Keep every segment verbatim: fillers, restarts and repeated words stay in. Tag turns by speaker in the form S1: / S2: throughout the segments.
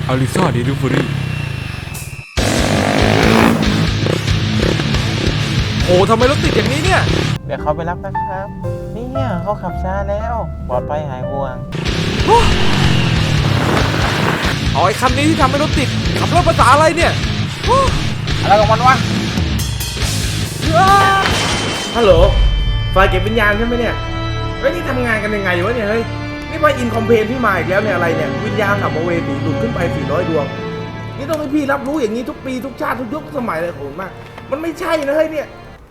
S1: อลิซาเดลิเวอรี่โอ้ทำไมรถติดอย่างนี้เนี่ย
S2: เดี๋ยวเขาไปรับนะครับเนี่ยเขาขับช้าแล้วปลอดภัยหายห่วง
S1: เอาไอ้คันนี้ที่ทำให้รถติดขับรถภาษาอะไรเนี่ย
S2: อะไรของมันวะฮัลโหลไฟเก็บวิญญาณใช่ไหมเนี่ยเฮ้ยนี่ทำงานกันยังไงวะเนี่ยเฮ้ยนี่ไปอินคอมเพลนพี่มาอีกแล้วเนี่ยอะไรเนี่ยวิญญาณสัมภเวสีดูดขึ้นไปสี่ร้อยดวงนี่ต้องให้พี่รับรู้อย่างนี้ทุกปีทุกชาติทุกยุคทุกสมัยเลยผมมากมันไม่ใช่นะเฮ้ยเนี่ย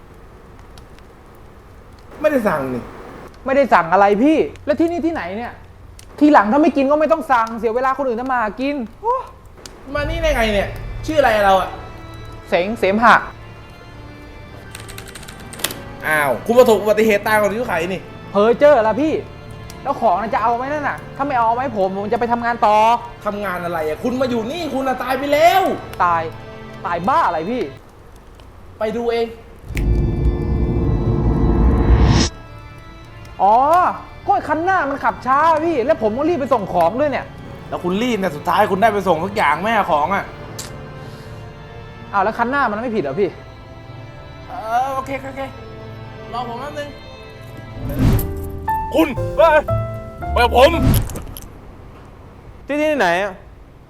S2: ไม่ได้สั่งนี่
S3: ไม่ได้สั่งอะไรพี่แล้วที่นี่ที่ไหนเนี่ยทีหลังถ้าไม่กินก็ไม่ต้องสั่งเสียเวลาคนอื่นทำมาหากิน
S2: มานี่ได้ไงเนี่ยชื่ออะไรเราอะ
S3: เสงเสมหะ
S2: อ้าวคุณประสบอุบัติเหตุตายก่อนที่เขาไขนี่
S3: เพอเจอละพี่แล้วของจะเอาไหมนั่นน่ะถ้าไม่เอาไหมผมผมจะไปทำงานต่อ
S2: ทำงานอะไรอะคุณมาอยู่นี่คุณอะตายไปแล้ว
S3: ตายตายบ้าอะไรพี่
S2: ไปดูเอง
S3: อ๋อก็คันหน้ามันขับช้าพี่แล้วผมก็รีบไปส่งของด้วยเนี่ย
S2: แล้วคุณรีบเนี่ยสุดท้ายคุณได้ไปส่งทุกอย่างแม่ของอ่ะ
S3: อ้าวแล้วคันหน้ามันไม่ผิดเหรอพี่
S2: เออโอเคโอเครอผมแป๊บนึงคุณเฮ้ยไปกับผม
S3: ที่ที่ไหนอ่ะ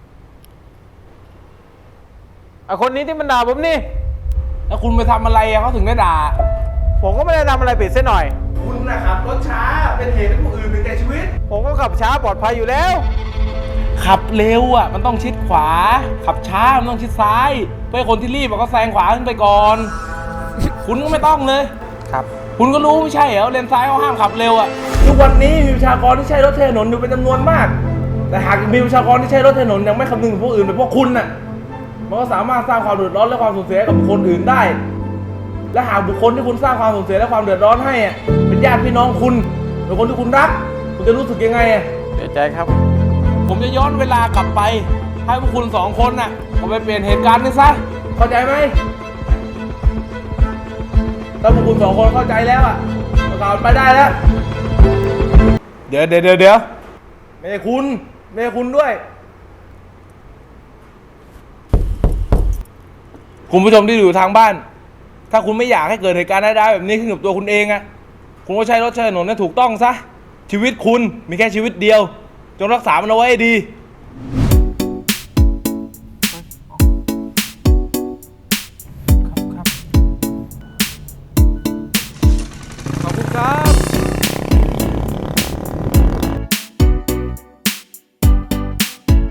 S3: ไอคนนี้ที่มันด่าผมนี่
S2: แล้วคุณไปทำอะไรอะเขาถึงได้ด่า
S3: ผมก็ไม่ได้ทำอะไรผิดซะหน่อย
S2: คุณนะครับรถช้าเป็นเหตุให้ผู้อื่นถึงแก่ชีวิต
S3: ผมก็ขับช้าปลอดภัยอยู่แล้ว
S2: ขับเร็วอ่ะมันต้องชิดขวาขับช้ามันต้องชิดซ้ายเพื่อคนที่รีบก็แซงขวาขึ้นไปก่อนคุณก็ไม่ต้องเลย
S3: ครับ
S2: คุณก็รู้ไม่ใช่เหรอเลนซ้ายเขาห้ามขับเร็วอ่ะทุกวันนี้มีประชากรที่ใช้รถถนนอยู่เป็นจำนวนมากแต่หากมีประชากรที่ใช้รถถนนยังไม่คำนึงถึงผู้อื่นแบบพวกคุณน่ะมันก็สามารถสร้างความเดือดร้อนและความสูญเสียกับบุคคลอื่นได้และหากบุคคลที่คุณสร้างความสูญเสียและความเดือดร้อนให้อ่ะเป็นญาติพี่น้องคุณหรือคนที่คุณรักคุณจะรู้สึกยังไงอ่ะ
S3: เสียใจครับ
S2: ผมจะย้อนเวลากลับไปให้พวกคุณสองคนน่ะเอาไปเปลี่ยนเหตุการณ์นี่ซะเข้าใจไหมถ้าพวกคุณสองคนเข้าใจแล้วอ่ะประกาศไปได้แล้วเดี๋ยวเดี๋ยวเดี๋ยวเดี๋ยวไม่ใช่คุณไม่ใช่คุณด้วยคุณผู้ชมที่อยู่ทางบ้านถ้าคุณไม่อยากให้เกิดเหตุการณ์ได้ๆแบบนี้ขึ้นกับตัวคุณเองอ่ะคุณก็ใช้รถใช้ถนนให้ถูกต้องซะชีวิตคุณมีแค่ชีวิตเดียวจงรักษามันเอาไว้ให้ดี